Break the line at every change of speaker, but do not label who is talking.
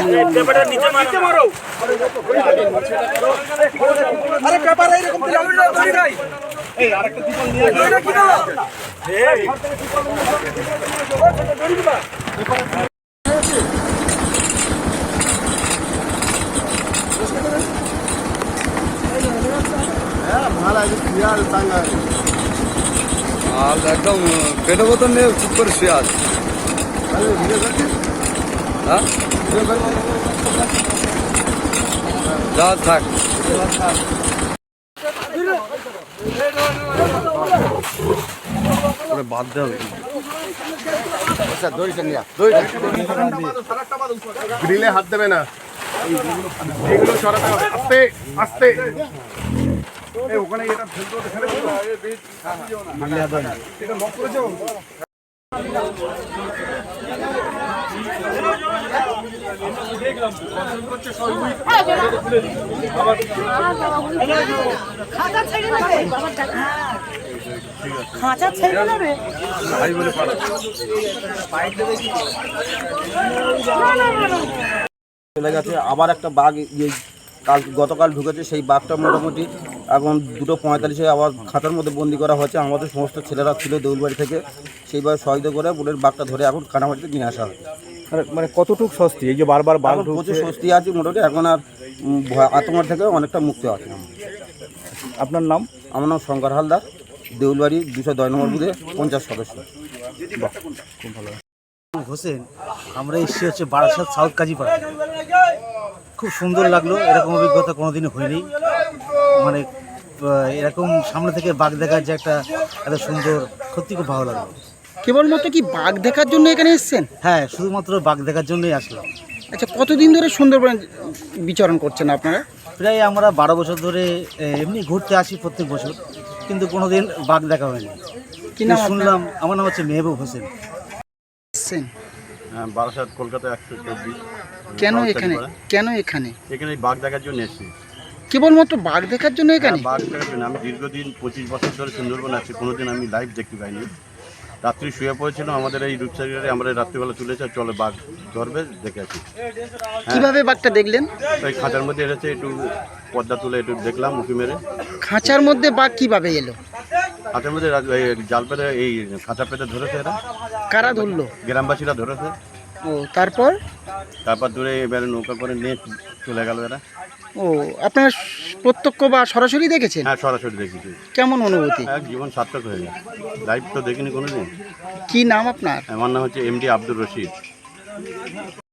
আরে পেপার এইরকম ধরি নাই এই আরেকটা ত্রিপল নিয়ে আসো কি দাও এই ধরি দিবা হ্যাঁ ভালো আছে শিয়াল টাঙ্গা
আর একদম পেটে বোতল নিয়ে চুপ করে শুয়ে আছে। হ্যাঁ যা থাক বাঁধতে হবে।
গ্রিলে হাত দেবে না, এগুলো সরাতে হবে আস্তে আস্তে। ওখানে এটা ফেলতে ফেলে এটা লক করেছো।
খাঁচা ছেড়ে নেবে
চলে গেছে। আবার একটা বাঘ গতকাল ঢুকেছে, সেই বাঘটা মোটামুটি এখন 2:45 আবার খাঁচার মধ্যে বন্দি করা হয়েছে। আমাদের সমস্ত ছেলেরা ছিল দেউলবাড়ি থেকে, সেইভাবে সহায়তা করে বোনের বাঘটা ধরে এখন কানামাটিতে নিয়ে আসা হয়।
মানে কতটুকু স্বস্তি এই যে বারবার বাঘ ঢুকছে?
প্রচুর স্বস্তি আছে মোটামুটি, এখন আর আতঙ্ক থেকে অনেকটা মুক্ত আছে।
আপনার নাম?
আমার নাম শঙ্কর হালদার, দেউলবাড়ি 210 নম্বর বুথে 50 সদস্য।
খুব ভালো।
হোসেন, আমরা এসেছি হচ্ছে বারাসাত সাউথ কাজীপাড়া। খুব সুন্দর লাগলো, এরকম অভিজ্ঞতা কোনোদিনই হয়নি। মানে এরকম সামনে থেকে বাঘ দেখার যে একটা এত সুন্দর, সত্যি খুব ভালো লাগলো।
কেবলমাত্র কি বাঘ দেখার জন্য এখানে এসেছেন?
হ্যাঁ, শুধুমাত্র বাঘ দেখার জন্যই আসলাম।
আচ্ছা, কতদিন ধরে সুন্দরবনে বিচরণ করছেন আপনারা?
প্রায় আমরা 12 বছর ধরে এমনি ঘুরতে আসি প্রত্যেক বছর, কিন্তু কোনোদিন বাঘ দেখা হয়নি।
কি নাম
শুনলাম? আমার নাম হচ্ছে মেহবুব হোসেন।
এসেছেন
বারাসাত কলকাতা 124।
কেন এখানে?
এখানে বাঘ দেখার জন্য এসেছি।
কেবলমাত্র বাঘ দেখার জন্য এখানে?
বাঘ দেখার জন্য আমি দীর্ঘদিন 25 বছর ধরে সুন্দরবন আছি, কোনোদিন আমি লাইভ দেখতে পাইনি। রাত্রি শুয়ে পড়েছিল আমাদের এই রূপসাগরে, আমরা রাত্রিবেলা তুলেছে, চলে বাঘ ধরবে, দেখে আছি।
কিভাবে বাঘটা দেখলেন?
ওই খাঁচার মধ্যে এসেছে, একটু পর্দা তুলে একটু দেখলাম উঁকি মেরে।
খাঁচার মধ্যে বাঘ কিভাবে এলো?
খাঁচার মধ্যে জাল পেতে, এই খাঁচা পেতে ধরেছে এরা।
কারা ধরলো?
গ্রামবাসীরা ধরেছে।
ও, তারপর
ধরে এবারে নৌকা করে নিয়ে চলে গেল এরা।
ও, আপনারা প্রত্যক্ষ বা সরাসরি দেখেছেন?
হ্যাঁ, সরাসরি দেখেছি।
কেমন অনুভূতি?
এক জীবন সার্থক হয়ে যায়। লাইভ তো দেখিনি কোনোদিন।
কি নাম আপনার?
আমার নাম হচ্ছে MD আব্দুর রশিদ।